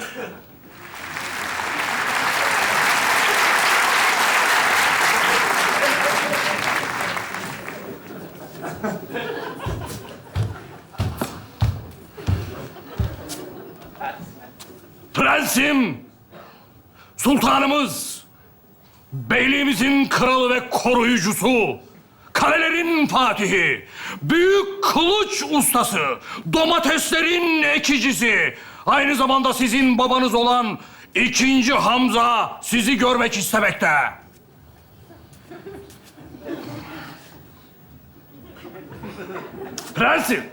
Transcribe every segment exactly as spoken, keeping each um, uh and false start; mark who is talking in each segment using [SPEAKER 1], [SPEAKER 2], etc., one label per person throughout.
[SPEAKER 1] Prensim, sultanımız, beyliğimizin kralı ve koruyucusu, kalelerin fatihi, büyük kılıç ustası, domateslerin ekicisi, aynı zamanda sizin babanız olan ikinci Hamza sizi görmek istemekte. Prensim.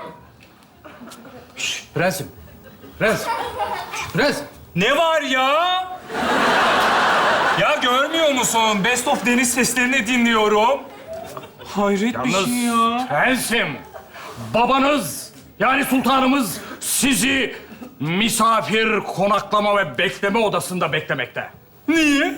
[SPEAKER 1] Şş, prensim. Prens. Şş, prens.
[SPEAKER 2] Ne var ya? Ya görmüyor musun? Best of deniz seslerini dinliyorum. Hayret bir
[SPEAKER 1] Yalnız
[SPEAKER 2] şey ya.
[SPEAKER 1] prensim, babanız yani sultanımız sizi misafir konaklama ve bekleme odasında beklemekte.
[SPEAKER 2] Niye?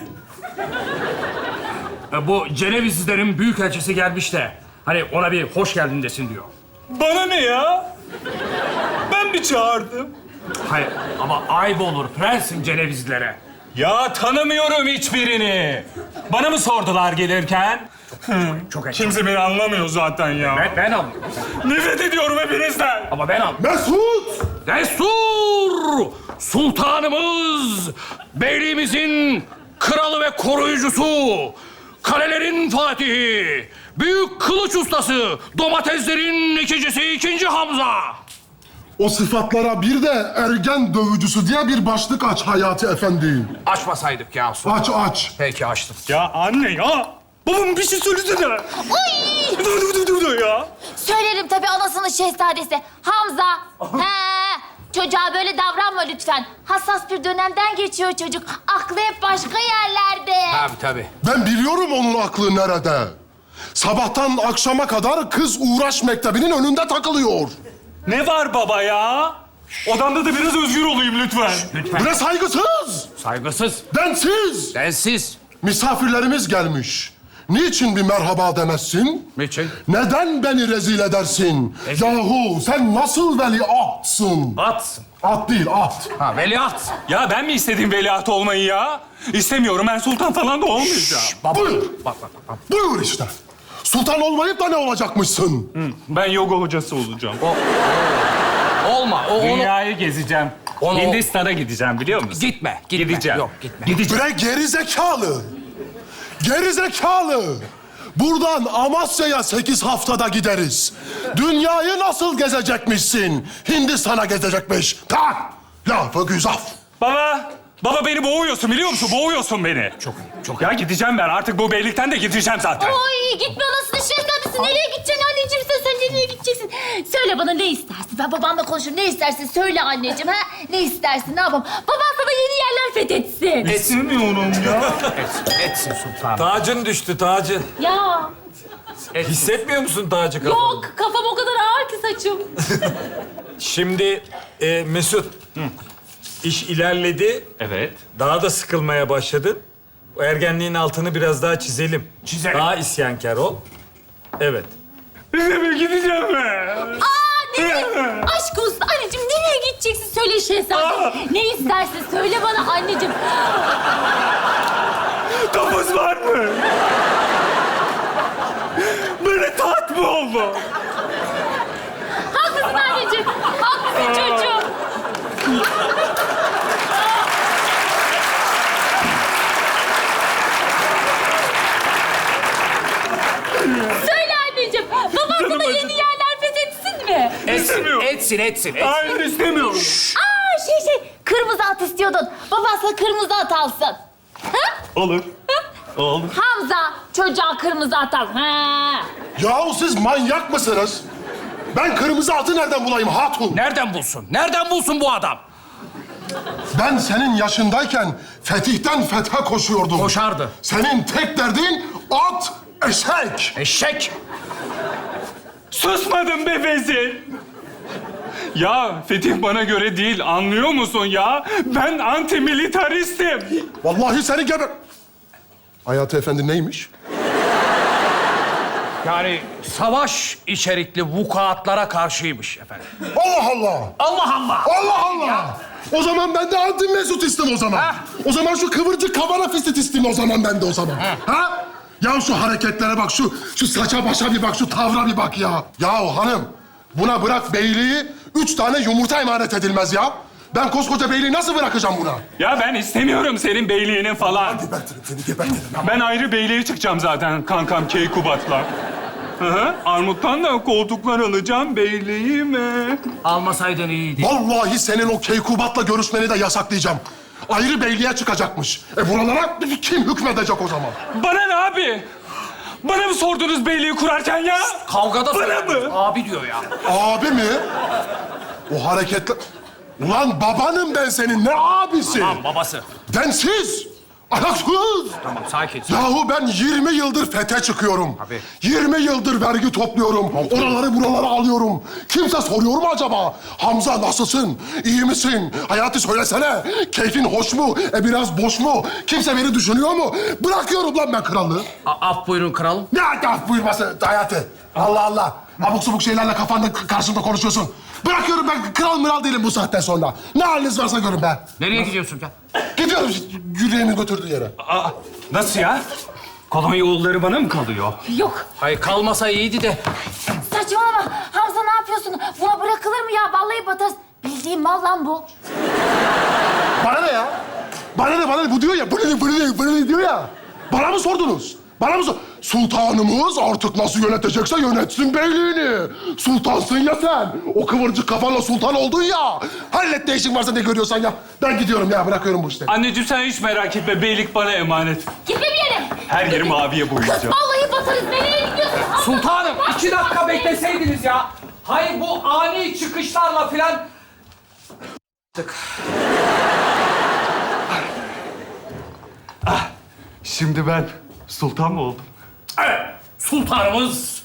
[SPEAKER 1] E, Bu Cenevizlilerin büyükelçisi gelmiş de hani ona bir hoş geldin desin diyor.
[SPEAKER 2] Bana ne ya? Ben mi çağırdım?
[SPEAKER 1] Hayır ama ayıp olur prensim Cenevizlilere.
[SPEAKER 2] Ya tanımıyorum hiçbirini. Bana mı sordular gelirken?
[SPEAKER 1] Çok ekşi.
[SPEAKER 2] Kimse beni anlamıyor zaten ya.
[SPEAKER 1] Ben, ben anlıyorum.
[SPEAKER 2] Nefret ediyorum hepinizden.
[SPEAKER 1] Ama ben anlıyorum.
[SPEAKER 3] Mesut!
[SPEAKER 1] Destur! Sultanımız, beyliğimizin kralı ve koruyucusu, kalelerin fatihi, büyük kılıç ustası, domateslerin ikicisi ikinci Hamza.
[SPEAKER 3] O sıfatlara bir de ergen dövücüsü diye bir başlık aç Hayati Efendi.
[SPEAKER 1] Açmasaydık ya.
[SPEAKER 3] Aç aç.
[SPEAKER 1] Peki açtım.
[SPEAKER 2] Ya anne ya. Babam bir şey söylesene.
[SPEAKER 4] Uy!
[SPEAKER 2] Dur dur dur dur ya.
[SPEAKER 4] Söylerim tabii anasının şehzadesi. Hamza. He. Çocuğa böyle davranma lütfen. Hassas bir dönemden geçiyor çocuk. Aklı hep başka yerlerde.
[SPEAKER 1] Tabii tabii.
[SPEAKER 3] Ben biliyorum onun aklı nerede. Sabahtan akşama kadar kız uğraş mektebinin önünde takılıyor.
[SPEAKER 2] Ne var baba ya? Odamda da biraz özgür olayım lütfen.
[SPEAKER 3] Bu ne saygısız,
[SPEAKER 1] Saygısız,
[SPEAKER 3] densiz.
[SPEAKER 1] densiz.
[SPEAKER 3] Misafirlerimiz gelmiş. Niçin bir merhaba demezsin?
[SPEAKER 1] Niçin?
[SPEAKER 3] Neden beni rezil edersin?
[SPEAKER 1] Rezil-
[SPEAKER 3] Yahu sen nasıl veliahtsın?
[SPEAKER 1] Atsın.
[SPEAKER 3] At değil, at.
[SPEAKER 1] Ha veliaht.
[SPEAKER 2] Ya ben mi istedim veliaht olmayı ya? İstemiyorum. Ben sultan falan da olmayacağım.
[SPEAKER 1] Baba.
[SPEAKER 3] Buyur.
[SPEAKER 1] Bak bak bak.
[SPEAKER 3] Buyur işte. Sultan olmayıp da ne olacakmışsın?
[SPEAKER 2] Ben yoga hocası olacağım.
[SPEAKER 1] Olma. O, onu...
[SPEAKER 2] Dünyayı gezeceğim.
[SPEAKER 1] Onu-
[SPEAKER 2] Hindistan'a gideceğim biliyor musun?
[SPEAKER 1] Gitme, gitme.
[SPEAKER 2] Gideceğim.
[SPEAKER 1] Yok, gitme.
[SPEAKER 2] Gideceğim.
[SPEAKER 3] Bre geri zekalı. Geri zekalı. Buradan Amasya'ya sekiz haftada gideriz. Dünyayı nasıl gezecekmişsin? Hindistan'a gezecekmiş. Tak! Lafı güzaf.
[SPEAKER 2] Baba, baba beni boğuyorsun biliyor musun? Boğuyorsun beni.
[SPEAKER 1] Çok iyi, çok iyi.
[SPEAKER 2] Ya gideceğim ben. Artık bu beylikten de gideceğim zaten.
[SPEAKER 4] Oy gitme anasının şehzadesi. Nereye gideceksin anneciğim sen? Sen nereye gideceksin? Söyle bana ne istersin? Ben babamla konuşurum. Ne istersin? Söyle anneciğim ha? Ne istersin? Ne yapalım? Baban sana yeni yerler fethetsin.
[SPEAKER 2] İstemiyorum ya.
[SPEAKER 1] Etsin, etsin sultanım.
[SPEAKER 5] Tacın düştü, tacın.
[SPEAKER 4] Ya
[SPEAKER 5] Hissetmiyor musun tacı kafanı?
[SPEAKER 4] yok kafam o kadar ağır ki saçım.
[SPEAKER 5] Şimdi e, Mesut, iş ilerledi.
[SPEAKER 2] Evet.
[SPEAKER 5] Daha da sıkılmaya başladın. O ergenliğin altını biraz daha çizelim.
[SPEAKER 1] Çizelim.
[SPEAKER 5] Daha isyankar ol. Evet.
[SPEAKER 2] İstemiyorum gideceğim ben.
[SPEAKER 4] Aa nereye? Aşk olsun anneciğim nereye gideceksin? Söyle şehzade. Ne istersin? Söyle bana anneciğim.
[SPEAKER 2] Topuz var mı? Böyle taht mı oldu?
[SPEAKER 4] Haklısın anneciğim. Haklısın çocuğum. Söyle anneciğim. Baban sana yeni yerler fethetsin mi?
[SPEAKER 1] Etsin,
[SPEAKER 2] İstemiyorum.
[SPEAKER 1] etsin, etsin, etsin.
[SPEAKER 2] Hayır istemiyorum.
[SPEAKER 4] Aa şey şey kırmızı at istiyordun. Baban sana kırmızı at alsın. Ha?
[SPEAKER 2] Olur. Olur.
[SPEAKER 4] Hamza çocuğa kırmızı at al. Ha.
[SPEAKER 3] Yahu siz manyak mısınız? Ben kırmızı atı nereden bulayım hatun?
[SPEAKER 1] Nereden bulsun? Nereden bulsun bu adam?
[SPEAKER 3] Ben senin yaşındayken fetihten fethe koşuyordum.
[SPEAKER 1] Koşardı.
[SPEAKER 3] Senin tek derdin at, eşek.
[SPEAKER 1] Eşek.
[SPEAKER 2] Susmadım be Vezir. Ya Fetih bana göre değil, anlıyor musun ya? Ben antimilitaristim.
[SPEAKER 3] Vallahi seni geber... Hayati Efendi neymiş?
[SPEAKER 1] Yani savaş içerikli vukuatlara karşıymış efendim.
[SPEAKER 3] Allah Allah!
[SPEAKER 1] Allah Allah!
[SPEAKER 3] Allah Allah! O zaman ben de Adil Mesut istim o zaman.
[SPEAKER 1] Ha.
[SPEAKER 3] O zaman şu kıvırcık kavana fistit istim o zaman ben de o zaman. Ha? Ya şu hareketlere bak, şu şu saça başa bir bak, şu tavra bir bak ya. Ya hanım, buna bırak beyliği, üç tane yumurta emanet edilmez ya. Ben koskoca beyliği nasıl bırakacağım buna?
[SPEAKER 2] Ya ben istemiyorum senin beyliğini falan.
[SPEAKER 3] Gebertirim seni, gebertirim.
[SPEAKER 2] Ben ayrı beyliğe çıkacağım zaten kankam Keykubat'la. Hı hı. Armut'tan da koltuklar alacağım beyliğime.
[SPEAKER 1] Almasaydın iyiydi.
[SPEAKER 3] Vallahi senin o Keykubat'la görüşmeni de yasaklayacağım. Ayrı beyliğe çıkacakmış. E buralara kim hükmedecek o zaman?
[SPEAKER 2] Bana ne abi? Bana mı sordunuz beyliği kurarken ya?
[SPEAKER 1] Kavgada
[SPEAKER 2] Bana
[SPEAKER 1] söylediniz.
[SPEAKER 2] mı?
[SPEAKER 1] Abi diyor ya.
[SPEAKER 3] Abi mi? O hareketler... Ulan babanım ben senin, ne abisi?
[SPEAKER 1] Tamam babası.
[SPEAKER 3] Densiz, ahlaksız.
[SPEAKER 1] Tamam sakin.
[SPEAKER 3] Yahu ben yirmi yıldır fete çıkıyorum.
[SPEAKER 1] Tabii.
[SPEAKER 3] yirmi yıldır vergi topluyorum. Oraları buraları alıyorum. Kimse soruyor mu acaba? Hamza nasılsın? İyi misin? Hayati söylesene. Keyfin hoş mu? E biraz boş mu? Kimse beni düşünüyor mu? Bırakıyorum lan ben krallığı.
[SPEAKER 1] A- af buyurun kralım.
[SPEAKER 3] Ne af buyurması Hayati? Allah Allah. Abuk subuk şeylerle kafanda karşımda konuşuyorsun. Bırakıyorum ben, kral mıral değilim bu saatten sonra. Ne haliniz varsa görün be.
[SPEAKER 1] Nereye gidiyorsun ya?
[SPEAKER 3] Gidiyorum yüreğimin götürdüğü yere.
[SPEAKER 2] Aa, nasıl ya? Kolonya oğulları bana mı kalıyor?
[SPEAKER 4] Yok.
[SPEAKER 1] Hayır kalmasa iyiydi de.
[SPEAKER 4] Saçmalama. Hamza ne yapıyorsun? Buna bırakılır mı ya? Vallahi batarız. Bildiğin mal lan bu.
[SPEAKER 3] Bana ne ya? Bana ne, bana ne? Bu diyor ya, bana ne, bana ne, bana ne diyor ya. Bana mı sordunuz? Bana mı sor... Sultanımız artık nasıl yönetecekse yönetsin beyliğini. Sultansın ya sen. O kıvırcık kafanla sultan oldun ya. Hallet ne işin varsa ne görüyorsan ya. Ben gidiyorum ya, bırakıyorum bu işleri.
[SPEAKER 2] Anneciğim sen hiç merak etme. Beylik bana emanet.
[SPEAKER 4] Gitme bir yere.
[SPEAKER 2] Her yeri maviye boyayacağım.
[SPEAKER 4] Vallahi batarız. Nereye gidiyorsun?
[SPEAKER 1] Sultanım iki dakika bekleseydiniz ya. Hayır bu ani çıkışlarla filan...
[SPEAKER 2] Şimdi ben sultan mı oldum?
[SPEAKER 1] Evet, sultanımız...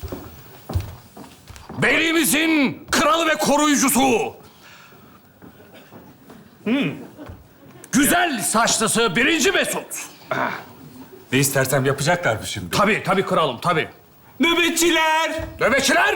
[SPEAKER 1] Beyliğimizin kralı ve koruyucusu. Hmm. Güzel saçlısı birinci Mesut.
[SPEAKER 2] Ne istersem yapacaklar mı şimdi?
[SPEAKER 1] Tabii, tabii kralım, tabii.
[SPEAKER 2] Nöbetçiler!
[SPEAKER 1] Nöbetçiler!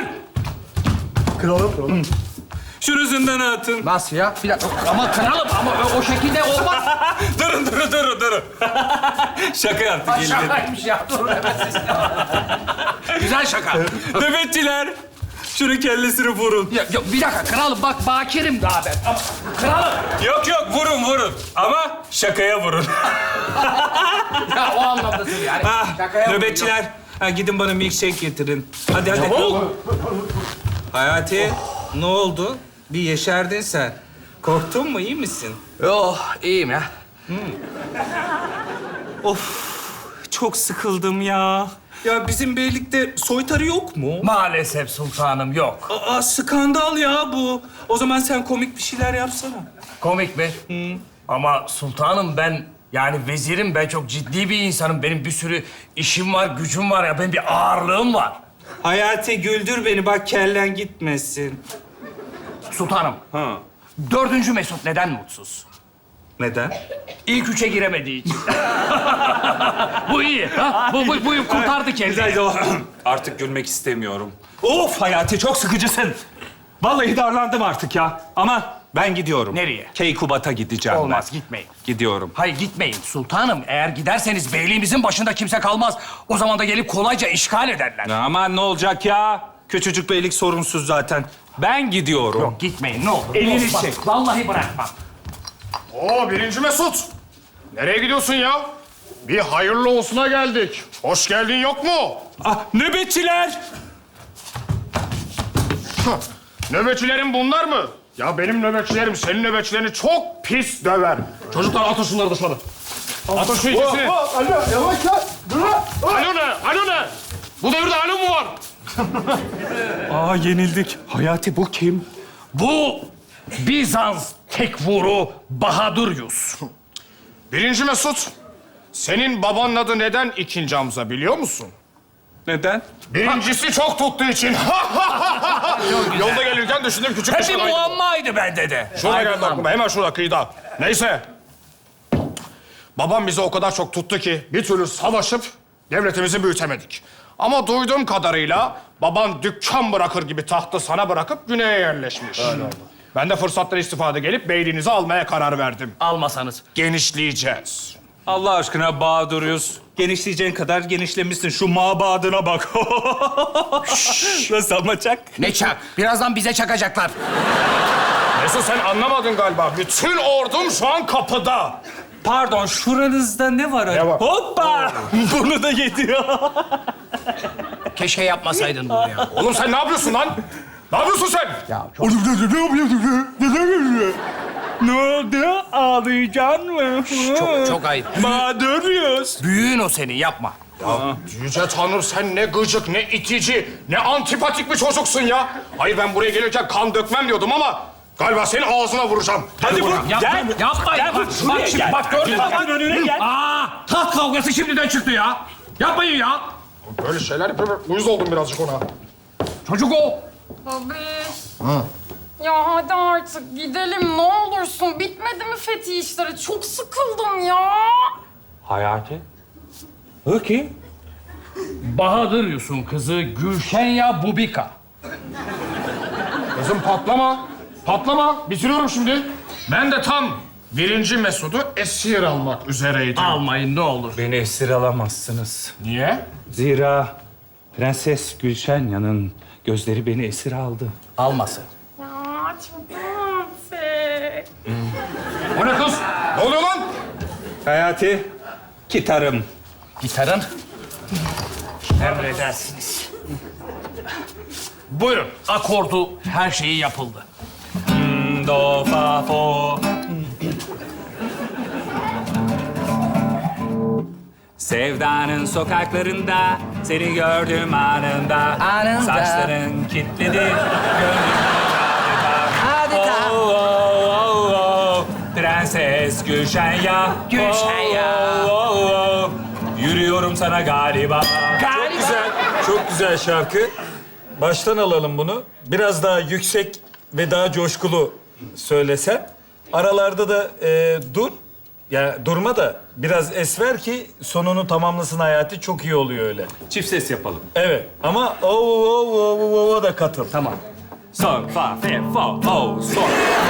[SPEAKER 2] Şunu zindana atın.
[SPEAKER 1] Nasıl ya? Bir dakika. Ama kralım, ama o şekilde olmaz.
[SPEAKER 2] durun, durun, durun, durun. Şaka yaptık. gelin.
[SPEAKER 1] Şakaymış ya, durun hemen siz. Güzel şaka.
[SPEAKER 2] Nöbetçiler! Şunu kellesini vurun.
[SPEAKER 1] Ya, ya, bir dakika kralım, bak bakirim daha ben. Ama, kralım!
[SPEAKER 2] Yok yok, vurun, vurun. Ama şakaya vurun.
[SPEAKER 1] Ya o anlamdasın yani.
[SPEAKER 2] Ah,
[SPEAKER 1] Şakaya
[SPEAKER 2] nöbetçiler, ha, gidin bana milkshake getirin. Hadi, hadi. Hayati, ne oldu? Bir yeşerdin sen. Korktun mu, iyi misin?
[SPEAKER 1] Yo, iyiyim ya.
[SPEAKER 2] Of, çok sıkıldım ya. Ya bizim beylikte soytarı yok mu?
[SPEAKER 1] Maalesef sultanım yok.
[SPEAKER 2] Aa, skandal ya bu. O zaman sen komik bir şeyler yapsana.
[SPEAKER 1] Komik mi? Ama sultanım ben, yani vezirim, ben çok ciddi bir insanım. Benim bir sürü işim var, gücüm var ya. Benim bir ağırlığım var.
[SPEAKER 2] Hayati güldür beni, bak kellen gitmesin.
[SPEAKER 1] Sultanım,
[SPEAKER 2] Ha,
[SPEAKER 1] dördüncü Mesut neden mutsuz?
[SPEAKER 2] neden?
[SPEAKER 1] İlk üçe giremediği için. Bu iyi. Ha? Bu, bu, bu kurtardı kendini.
[SPEAKER 2] Güzel o. Artık gülmek istemiyorum. Of Hayati, çok sıkıcısın. Vallahi darlandım artık ya. Ama ben gidiyorum.
[SPEAKER 1] Nereye?
[SPEAKER 2] Keykubat'a gideceğim
[SPEAKER 1] Olmaz,
[SPEAKER 2] ben.
[SPEAKER 1] gitmeyin.
[SPEAKER 2] Gidiyorum.
[SPEAKER 1] Hayır gitmeyin sultanım. Eğer giderseniz beyliğimizin başında kimse kalmaz. O zaman da gelip kolayca işgal ederler.
[SPEAKER 2] Ya aman ne olacak ya? Küçücük beylik sorunsuz zaten. Ben gidiyorum.
[SPEAKER 1] Yok gitmeyin ne olur.
[SPEAKER 2] Elini
[SPEAKER 1] Olmaz.
[SPEAKER 2] çek.
[SPEAKER 1] Vallahi bırakmam.
[SPEAKER 6] Oo birinci Mesut. Nereye gidiyorsun ya? Bir hayırlı olsuna geldik. Hoş geldin yok mu?
[SPEAKER 2] Ah, nöbetçiler!
[SPEAKER 6] Hah, Nöbetçilerin bunlar mı? Ya benim nöbetçilerim senin nöbetçilerini çok pis döver. Çocuklar atın şunları dışarı. Atın şu ikisini.
[SPEAKER 3] Alo, yavaş lan. Dur lan.
[SPEAKER 6] Alo ne? Alo ne? Bu devirde alo mu var?
[SPEAKER 2] Aa, yenildik. Hayati, bu kim?
[SPEAKER 1] Bu Bizans tekvuru Bahadır Yus.
[SPEAKER 6] Birinci Mesut. Senin babanın adı neden ikinci Hamza biliyor musun?
[SPEAKER 2] Neden?
[SPEAKER 6] Birincisi çok tuttuğu için. Yolda gelirken düşündüm küçük bir
[SPEAKER 1] Hep bir
[SPEAKER 6] şakaydı bu.
[SPEAKER 1] muammaydı bende de.
[SPEAKER 6] Şurada geldi aklıma, hemen şurada kıyıda. Neyse. Babam bizi o kadar çok tuttu ki bir türlü savaşıp devletimizi büyütemedik. Ama duyduğum kadarıyla baban dükkan bırakır gibi tahtı sana bırakıp güneye yerleşmiş. Öyle oldu. Ben de fırsattan istifade gelip beyliğinizi almaya karar verdim.
[SPEAKER 1] Almasanız.
[SPEAKER 6] Genişleyeceğiz.
[SPEAKER 2] Allah aşkına Bahadır'ız. Genişleyeceğin kadar genişlemişsin. Şu mabadına bak. Nasıl ama çak?
[SPEAKER 1] Ne çak? Birazdan bize çakacaklar.
[SPEAKER 6] Mesut sen anlamadın galiba. Bütün ordum şu an kapıda.
[SPEAKER 2] Pardon, şuranızda ne var?
[SPEAKER 6] Ne var?
[SPEAKER 2] Hoppa! Bunu da yedi.
[SPEAKER 1] Keşke yapmasaydın bunu ya.
[SPEAKER 6] Oğlum sen ne yapıyorsun lan? Ne yapıyorsun sen?
[SPEAKER 2] Ne oldu? Ağlayacaksın mı?
[SPEAKER 1] Çok, çok ayıp.
[SPEAKER 2] Bahadır'ız.
[SPEAKER 1] Büyüğün o senin, yapma.
[SPEAKER 6] Yüce Tanrım sen ne gıcık, ne itici, ne antipatik bir çocuksun ya. Hayır ben buraya gelirken kan dökmem diyordum ama galiba senin ağzına vuracağım.
[SPEAKER 2] Hadi vur. Gel.
[SPEAKER 1] Yapma.
[SPEAKER 2] Gel bak. Bak şimdi bak gördün mü? Bak önüne gel.
[SPEAKER 1] Aa, taht kavgası şimdiden çıktı ya. Yapmayın ya.
[SPEAKER 6] Böyle şeyler yapıyorum. Uyuz oldum birazcık ona.
[SPEAKER 1] Çocuk o.
[SPEAKER 7] Babiş. Ya hadi artık gidelim ne olursun. Bitmedi mi fethi işleri? Çok sıkıldım ya.
[SPEAKER 2] Hayati. Peki.
[SPEAKER 1] Bahadır Yusuf'un kızı Gülşenya Bubika.
[SPEAKER 6] Kızım patlama. Patlama. Bitiriyorum şimdi. Ben de tam birinci Mesut'u esir almak üzereydim.
[SPEAKER 1] Almayın ne olur.
[SPEAKER 2] Beni esir alamazsınız.
[SPEAKER 6] Niye?
[SPEAKER 2] Zira Prenses Gülşenya'nın gözleri beni esir aldı.
[SPEAKER 1] Almasın.
[SPEAKER 7] Ya çok romantik.
[SPEAKER 6] O ne kız? Ne oluyor lan?
[SPEAKER 2] Hayati, gitarım.
[SPEAKER 1] Gitarın. Emredersiniz. Buyurun. Akordu, her şeyi yapıldı.
[SPEAKER 2] Do, fa, fo. Sevdanın sokaklarında seni gördüm anında.
[SPEAKER 1] Anında.
[SPEAKER 2] Saçların kilitledi, gönlüm adeta. Oh, oh, oh, oh. Prenses Gülşenya.
[SPEAKER 1] Gülşenya.
[SPEAKER 2] Oh, oh, oh. Yürüyorum sana galiba.
[SPEAKER 5] Çok güzel, çok güzel şarkı. Baştan alalım bunu. Biraz daha yüksek ve daha coşkulu söylesen. Aralarda da e, dur. Ya durma da biraz es ver ki sonunu tamamlasın Hayati. Çok iyi oluyor öyle.
[SPEAKER 2] Çift ses yapalım.
[SPEAKER 5] Evet ama o o o o o da katıl.
[SPEAKER 1] Tamam.
[SPEAKER 2] Son, fa, fe, fo, o, son.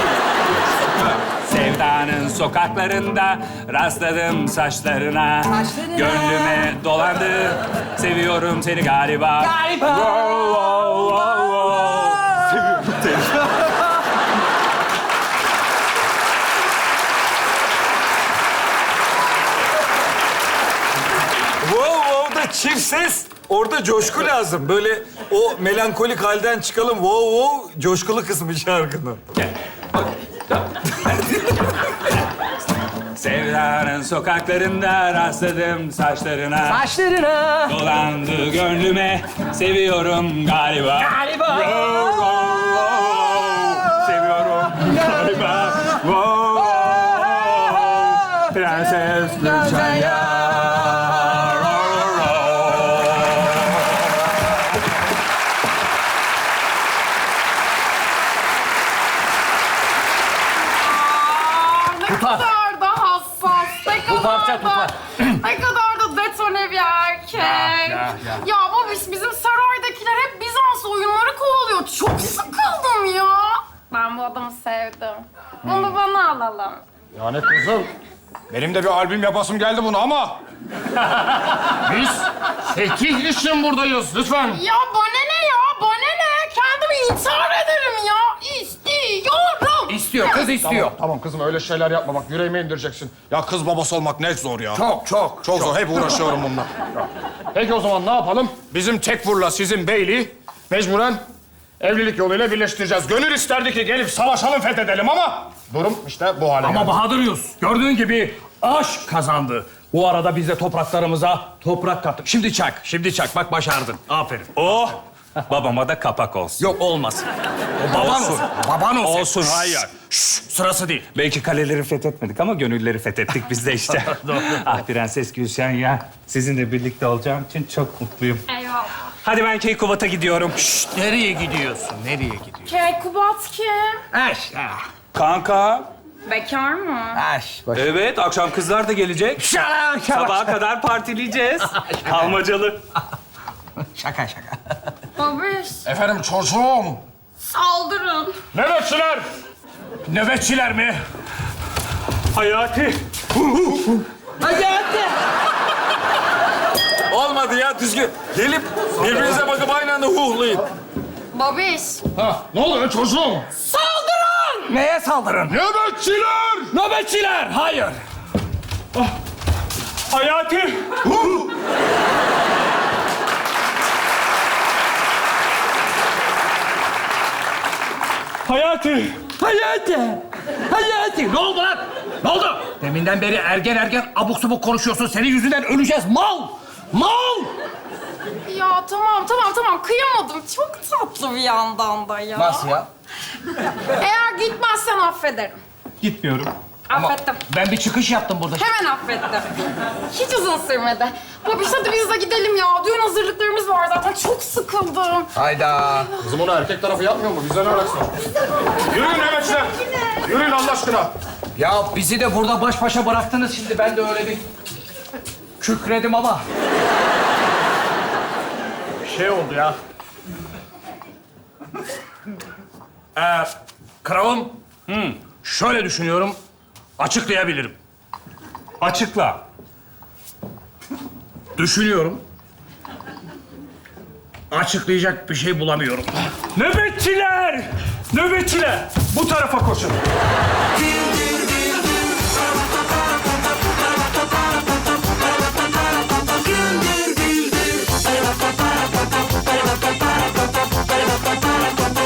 [SPEAKER 2] Sevdanın sokaklarında rastladım saçlarına.
[SPEAKER 8] Saçlarına.
[SPEAKER 2] Gönlüme dolandı. Seviyorum seni galiba. Galiba. Wow, wow, wow, wow. Seviyorum seni.
[SPEAKER 5] Wow wow da çift ses. Orada coşku lazım. Böyle o melankolik halden çıkalım. Wow wow coşkulu kısmı şarkının.
[SPEAKER 2] Sevdanın sokaklarında rastladım saçlarına.
[SPEAKER 8] Saçlarına.
[SPEAKER 2] Dolandı gönlüme. Seviyorum galiba.
[SPEAKER 8] Galiba.
[SPEAKER 2] Wow, wow, wow. Seviyorum galiba. Wow, wow. Prenses Gülşenya.
[SPEAKER 7] Ne kadar da hassas. Ne kadar
[SPEAKER 1] parça
[SPEAKER 7] da...
[SPEAKER 1] tutar.
[SPEAKER 7] Ne kadar da detone bir erkek. Ya, ya. babiş bizim saraydakiler hep Bizans oyunları kovalıyor. Çok sıkıldım ya. Ben bu adamı sevdim. Bunu bana alalım.
[SPEAKER 6] Yani kızım, benim de bir albüm yapasım geldi bunu ama... Biz fetih için buradayız, lütfen.
[SPEAKER 7] Ya bana ne ya? Bana ne? Kendimi intihar ederim ya. İstiyorum.
[SPEAKER 1] İstiyor, kız istiyor.
[SPEAKER 6] Tamam, tamam kızım öyle şeyler yapma bak, yüreğime indireceksin. Ya kız babası olmak ne zor ya.
[SPEAKER 1] Çok, çok.
[SPEAKER 6] Çok zor, hep uğraşıyorum bununla. Peki o zaman ne yapalım? Bizim Tekfur'la sizin beyliği mecburen evlilik yoluyla birleştireceğiz. Gönül isterdi ki gelip savaşalım, fethedelim ama... Durum işte bu hale
[SPEAKER 1] Ama
[SPEAKER 6] geldi.
[SPEAKER 1] Bahadır Yusuf, gördüğün gibi aşk kazandı. Bu arada biz de topraklarımıza toprak kattık. Şimdi çak, şimdi çak. Bak başardın. Aferin.
[SPEAKER 2] Oh! Babama da kapak olsun.
[SPEAKER 1] Yok olmasın. O baban olsun. Baban olsun.
[SPEAKER 2] Olsun, hayır.
[SPEAKER 1] Şşş, sırası değil.
[SPEAKER 2] Belki kaleleri fethetmedik ama gönülleri fethettik biz de işte. Ah Prenses Gülşenya, sizinle birlikte olacağım için çok mutluyum.
[SPEAKER 7] Eyvallah.
[SPEAKER 2] Hadi ben Keykubat'a gidiyorum.
[SPEAKER 1] Şşt, nereye gidiyorsun? Nereye gidiyorsun?
[SPEAKER 7] Keykubat kim?
[SPEAKER 1] Aş, ah.
[SPEAKER 2] Kanka.
[SPEAKER 7] Bekar mı?
[SPEAKER 1] Aş. Baş...
[SPEAKER 2] Evet, akşam kızlar da gelecek.
[SPEAKER 1] Şala, şala.
[SPEAKER 2] Sabaha kadar partileyeceğiz. Kalmacalı.
[SPEAKER 1] Şaka şaka.
[SPEAKER 7] Babiş,
[SPEAKER 3] Efendim çocuğum.
[SPEAKER 7] saldırın.
[SPEAKER 6] Nöbetçiler!
[SPEAKER 1] Nöbetçiler mi?
[SPEAKER 2] Hayati.
[SPEAKER 5] Olmadı ya düzgün. Gelip birbirinize bakıp aynı anda huhlayın.
[SPEAKER 7] Babiş,
[SPEAKER 3] Ha, ne oluyor çocuğum?
[SPEAKER 1] Neye saldırın?
[SPEAKER 3] Nöbetçiler!
[SPEAKER 1] Nöbetçiler! Hayır.
[SPEAKER 2] Hayati. Hayati.
[SPEAKER 1] Hayati! Hayati! Ne oldu lan? Ne oldu? Deminden beri ergen ergen abuk subuk konuşuyorsun. Senin yüzünden öleceğiz. Mal! Mal!
[SPEAKER 7] ya tamam tamam tamam kıyamadım. Çok tatlı bir yandan da ya.
[SPEAKER 1] Nasıl ya?
[SPEAKER 7] Eğer gitmezsen affederim.
[SPEAKER 2] Gitmiyorum.
[SPEAKER 7] Affettim.
[SPEAKER 1] Ben bir çıkış yaptım burada.
[SPEAKER 7] Hemen affettim. Hiç uzun sürmedi. Babiş hadi biz de gidelim ya. Düğün hazırlıklarımız var zaten. Çok sıkıldım.
[SPEAKER 1] Hayda.
[SPEAKER 3] Kızım onu erkek tarafı yapmıyor mu? Bize ne alakası var?
[SPEAKER 6] Yürüyün nöbetçiler. Yürüyün Allah aşkına.
[SPEAKER 1] Ya bizi de burada baş başa bıraktınız şimdi. Ben de öyle bir kükredim ama.
[SPEAKER 6] Şey oldu ya.
[SPEAKER 1] Ee, kralım. Hmm, şöyle düşünüyorum. Açıklayabilirim.
[SPEAKER 2] Açıkla.
[SPEAKER 1] Düşünüyorum. Açıklayacak bir şey bulamıyorum.
[SPEAKER 2] Nöbetçiler! Nöbetçiler! Bu tarafa koşun.